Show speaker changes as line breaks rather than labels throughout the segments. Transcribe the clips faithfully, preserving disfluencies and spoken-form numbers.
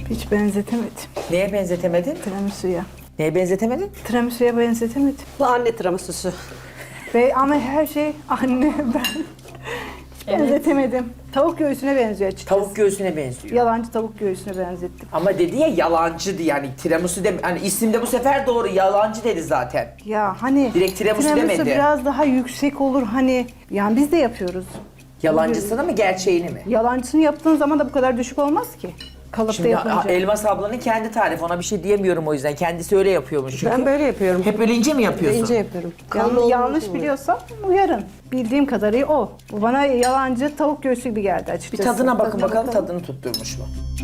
Hiç benzetemedim.
Neye benzetemedin?
Tiramisu'ya.
Neye benzetemedin?
Tiramisu'ya benzetemedim.
Bu anne tiramisusu.
Ve ama her şey anne ben. Hiç benzetemedim. Tavuk göğsüne benziyor açıkçası.
Tavuk göğsüne benziyor.
Yalancı tavuk göğsüne benzettim.
Ama dedi ya yalancıydı yani tiramisu de hani isimde bu sefer doğru yalancı dedi zaten.
Ya hani
Direkt tiramisu demedi.
biraz daha yüksek olur hani. Yani biz de yapıyoruz.
Yalancısını mı gerçeğini mi?
Yalancısını yaptığın zaman da bu kadar düşük olmaz ki. Kalıpta
Şimdi
yapınca.
a- Elmas ablanın kendi tarifi, ona bir şey diyemiyorum o yüzden. Kendisi öyle yapıyormuş çünkü.
Ben böyle yapıyorum.
Hep öyle ince mi yapıyorsun?
İnce yapıyorum.
Yan-
Kalın
yanlış
olmaz mı?
biliyorsam uyarın. Bildiğim kadarıyla o. Bu bana yalancı tavuk göğsü gibi geldi
Bir
açıkçası.
tadına bakın
Tadına
bakalım
bakalım.
tadını tutturmuş mu?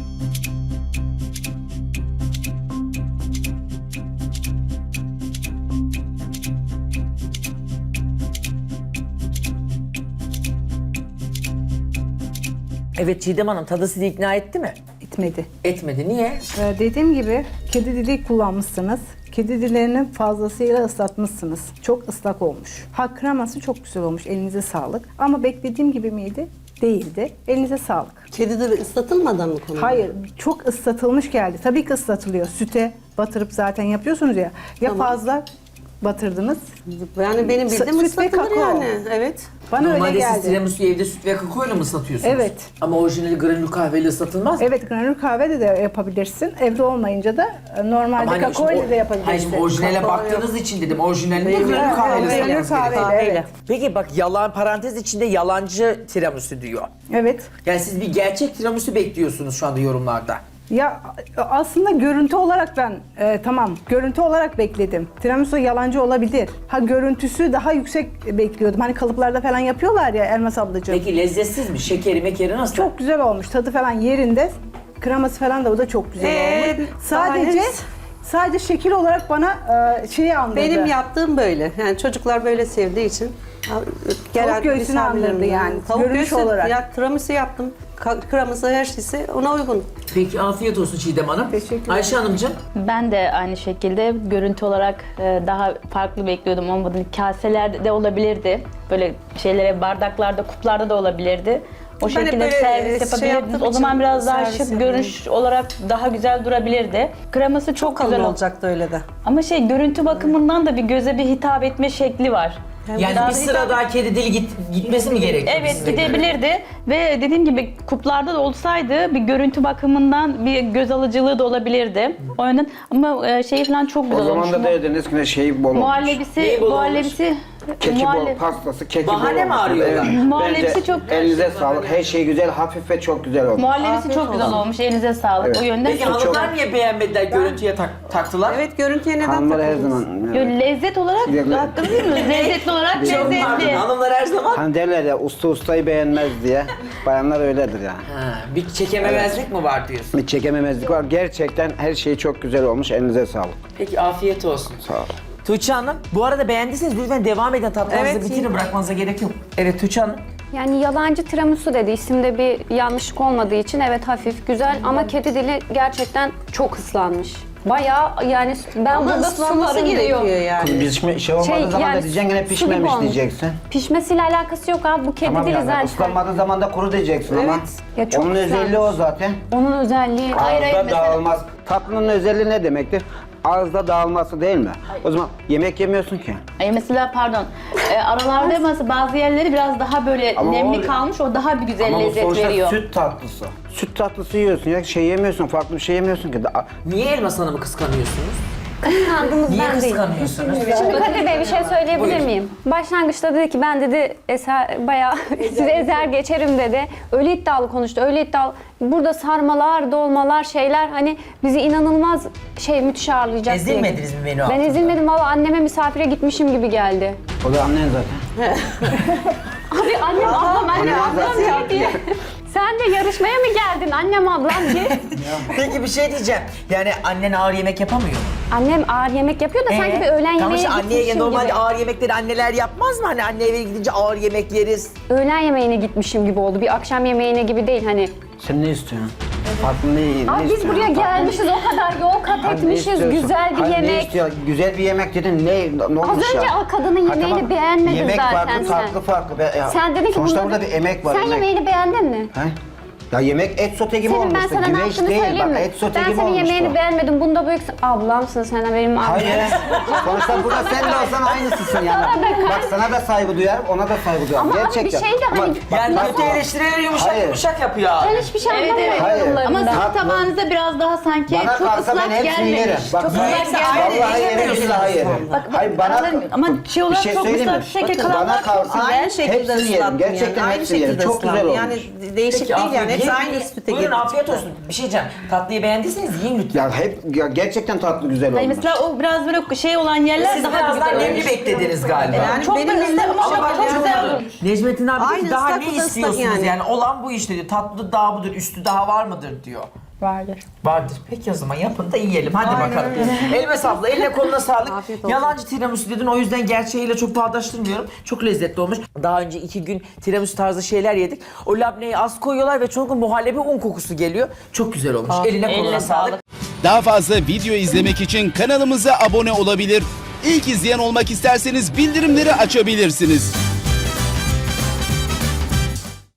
Evet Çiğdem Hanım, tadı sizi ikna etti mi?
Gitmedi.
Etmedi. Niye?
Ee, dediğim gibi kedi dili kullanmışsınız. Kedi dillerini fazlasıyla ıslatmışsınız. Çok ıslak olmuş. Ha kreması çok güzel olmuş. Elinize sağlık. Ama beklediğim gibi miydi? Değildi. Elinize sağlık.
Kedi de ıslatılmadan mı konuluyor?
Hayır, çok ıslatılmış geldi. Tabii ki ıslatılıyor. Süte batırıp zaten yapıyorsunuz ya. Ya
Tamam.
fazla batırdınız.
Yani benim bildiğim
Süt ve
ıslatılır
kakao.
yani. Evet.
Bana
Normalde
öyle
siz
geldi.
tiramisu'yu evde süt ve kakao ile mi ıslatıyorsunuz?
Evet.
Ama orijinali granül kahveyle ıslatılmaz mı?
Evet, granül kahve de yapabilirsin. Evde olmayınca da e, normalde
Ama hani
kakao
şimdi
ile
o-
de
Hayır
yapabilirsin.
şimdi orijinale
Kakao
baktığınız için dedim. Orijinalinde
Değil mi?
granül
Evet,
kahveyle
evet, granül
ıslatılması gerekiyor.
kahveyle, evet.
Peki bak yalan parantez içinde yalancı tiramisu diyor.
Evet.
Yani siz bir gerçek tiramisu bekliyorsunuz şu anda yorumlarda.
Ya aslında görüntü olarak ben e, tamam görüntü olarak bekledim. Tiramisu yalancı olabilir. Ha görüntüsü daha yüksek bekliyordum. Hani kalıplarda falan yapıyorlar ya Elmas ablacığım.
Peki lezzetsiz mi? Şekeri mekeri nasıl?
Çok güzel olmuş. Tadı falan yerinde. Kreması falan da o da çok güzel
Ee,
olmuş. Sadece
daha
sadece şekil olarak bana e, şeyi andırdı.
Benim yaptığım böyle. Yani çocuklar böyle sevdiği için.
Tavuk göğsünü andırdı yani,
Tavuk
görünüş
göğsü
olarak.
Ya, tiramisu yaptım. Ka- Kreması her şeysi ona uygun.
Peki afiyet olsun Çiğdem Hanım.
Teşekkür ederim.
Ayşe Hanımcığım.
Ben de aynı şekilde görüntü olarak e, daha farklı bekliyordum. Olmadı. Kaselerde de olabilirdi. Böyle şeylere bardaklarda, kuplarda da olabilirdi. O
Ben hep
şekilde
böyle,
servis
e, şey
yapabilirdiniz.
yaptığım
O zaman
için
biraz daha
servis
şık,
yapıyorum.
görünüş olarak daha güzel durabilirdi. Kreması çok
Kalın
güzel oldu.
olacaktı öyle de.
Ama şey görüntü bakımından da bir göze bir hitap etme şekli var.
Yani
Daha
bir
da
sıra
hitap-
daha kedi dili git, gitmesi mi gerekiyor?
Evet
size göre?
gidebilirdi ve dediğim gibi kuplarda da olsaydı bir görüntü bakımından bir göz alıcılığı da olabilirdi. O yönden ama e, şey falan çok
O
güzel olmuş.
zaman da derdiniz ki ne şey bol olmuş.
Muhallebisi,
Neyi bol
muhallebisi,
Keki
muhalle-
bol, pastası, keki
Bahane
bol
mi
olmuş.
arıyorlar?
Muhallebisi
Bence
çok-
elinize sağlık. Her şey güzel, hafif ve çok güzel olmuş.
muhallebisi
Afiyet
çok güzel
olsun.
olmuş. Elinize sağlık.
Evet.
O yönden
Peki
çok
hanımlar niye beğenmediler, görüntüye tak- taktılar?
Evet görüntüye neden
Hanımlar her
takıldınız?
zaman...
Yo,
evet.
lezzet olarak
Lezzet.
hakkını değil mi? Lezzetli olarak
Çok pardon,
lezzetli.
hanımlar her zaman...
Hani derler ya usta ustayı beğenmez diye. Bayanlar öyledir yani.
Ha, bir çekememezlik mi var diyorsun?
Bir çekememezlik var. Gerçekten her şey çok güzel olmuş. Elinize sağlık.
Peki afiyet olsun.
Sağ ol.
Tuğçe Hanım, bu arada beğendiyseniz lütfen devam edin. Tatlınızı
Evet,
bitirin,
iyi.
bırakmanıza gerek yok. Evet Tuğçe Hanım.
Yani yalancı tiramisu dedi. İsimde bir yanlışlık olmadığı için evet hafif güzel ama kedi dili gerçekten çok ıslanmış. Bayağı yani ben
Ama
burada
ıslanması
sularım
gerekiyor
diyor.
yani.
Kız pişme, şey olmadığı
Şey,
zaman
yani
da diyeceksin gene
su gibi
pişmemiş
olmuş.
diyeceksin.
Pişmesiyle alakası yok abi. Bu kedi
Tamam
dili
yani
zaten.
ıslanmadığı zaman da kuru diyeceksin ama.
Evet.
Ya çok
Onun özelliği
ıslanmış.
o zaten.
Onun özelliği. Hayır hayır
Ağızda
mesela.
dağılmaz. Tatlının özelliği ne demektir? Ağızda dağılması değil mi? O zaman yemek yemiyorsun ki.
Ay mesela pardon. E, aralarda mesela bazı yerleri biraz daha böyle
Ama
nemli
o-
kalmış. O daha bir güzel
Ama bu
lezzet
sonuçta
veriyor.
süt tatlısı. Süt tatlısı yiyorsun ya şey yemiyorsun, farklı bir şey yemiyorsun ki. Da-
Niye Elmas Hanım'ı kıskanıyorsunuz?
Kıskandığımız
Niye
ben değil.
kıskanıyorsunuz?
Şimdi Kadir Bey bir şey söyleyebilir
Buyurun.
miyim? Başlangıçta dedi ki ben dedi eser bayağı size ezer geçerim dedi. Öyle iddialı konuştu. Öyle iddialı. Burada sarmalar, dolmalar, şeyler hani bizi inanılmaz şey müthiş ağırlayacak diye.
Ezilmediniz mi menü
Ben
altında?
ezilmedim valla anneme misafire gitmişim gibi geldi.
O da annen zaten.
Abi annem ablam annem ablam diye diye. Sen de yarışmaya mı geldin annem ablam diye.
Peki bir şey diyeceğim. Yani annen ağır yemek yapamıyor mu?
Annem ağır yemek yapıyor da sanki
Ee?
bir öğlen
Tamam
yemeğe
işte anneye
gitmişim
normalde
gibi.
ağır yemekleri anneler yapmaz mı? Hani anne eve gidince ağır yemek yeriz.
Öğlen yemeğine gitmişim gibi oldu. Bir akşam yemeğine gibi değil hani.
Sen ne istiyorsun? Farklı ne, ne
Abi biz
istiyorsun?
buraya
Farklı-
gelmişiz o kadar yol kat
Hani ne
etmişiz.
istiyorsun?
Güzel bir
Hani ne
yemek.
istiyor? Güzel bir yemek dedin ne, ne
Az
olmuş ya?
önce o kadının
Ha,
yemeğini
tamam.
beğenmedin
yemek
zaten
farklı,
sen.
farklı farklı Be- ya,
Sen dedin ki
sonuçta
bunları-
burada bir emek var.
Sen
emek.
yemeğini beğendin mi?
He? Ya yemek et sote gibi
Senin ben
olmuştu.
sana ne
Güveç
yaptığını
değil
söyleyeyim
bak
mi?
et sote
Ben
gibi
senin
olmuştu.
yemeğini beğenmedim. Bunda büyük ablamsın sen benim ablam.
Hayır. Sonuçta burada sen de olsan aynısısın yani. Bak sana da saygı duyarım, ona da saygı duyarım.
Ama abi bir
Gerçekten.
şey de
Ama
hani-
bak,
Yani
bak-
kötü eleştirileri yumuşak
Hayır.
yumuşak yapıyor.
Ben hiçbir şey
Evet, evet.
anlamıyorum
Hayır.
yorumlarından.
Ama sizin
Tatlı.
tabağınızda biraz daha sanki
Bana
çok
kalsa ben
ıslak
hepsini yerim.
gelmemiş.
Bak,
Çok
ben-
ıslak
Hepsi
gelmemiş.
aynı
Vallahi yerim,
yemiyorsunuz.
billahi yerim.
Bak,
Hayır bana
anladım. Ama şey
bir
olarak
şey
çok
söyleyeyim mi?
ıslak şekil
Bakın,
kalanlar
bana
çok
kalsa
güzel.
Aynı şekilde
hepsini yerim.
ıslattım
Gerçekten
yani. Aynı
hepsini yerim.
şekilde
Çok güzel
ıslattım.
olmuş.
Yani değişik
Peki,
değil yani.
afiyet-
Hepsi
yiyin,
aynı
yiyin.
süte
Buyurun
girdi.
afiyet olsun. Bir şey diyeceğim. Tatlıyı beğendiyseniz yiyin lütfen.
Ya hep ya gerçekten tatlı güzel olmuş.
Hani mesela o biraz böyle şey olan yerler
Siz
daha
biraz daha
güzel
nemli
olmuş.
beklediniz galiba.
Yani
Çok
benim
da
elimde
ıslak ama
ama
Ama
çok
bak çok
güzel
oldu.
olmuş.
Necmettin abi
Aynı
dedi, daha
ıslak,
ne
bu da ıslak
istiyorsunuz yani.
yani.
Olan bu işte diyor. Tatlı daha budur, üstü daha var mıdır diyor.
Vardır.
Vardır. Peki o zaman yapın da yiyelim. Hadi bakalım. Elime sağlık. Eline koluna sağlık.
Afiyet olsun.
Yalancı tiramisu dedin. O yüzden gerçeğiyle çok bağdaştırmıyorum. Çok lezzetli olmuş. Daha önce iki gün tiramisu tarzı şeyler yedik. O labneyi az koyuyorlar ve çok muhallebi un kokusu geliyor. Çok güzel olmuş. Eline koluna
eline
sağlık.
sağlık.
Daha fazla video izlemek için kanalımıza abone olabilir. İlk izleyen olmak isterseniz bildirimleri açabilirsiniz.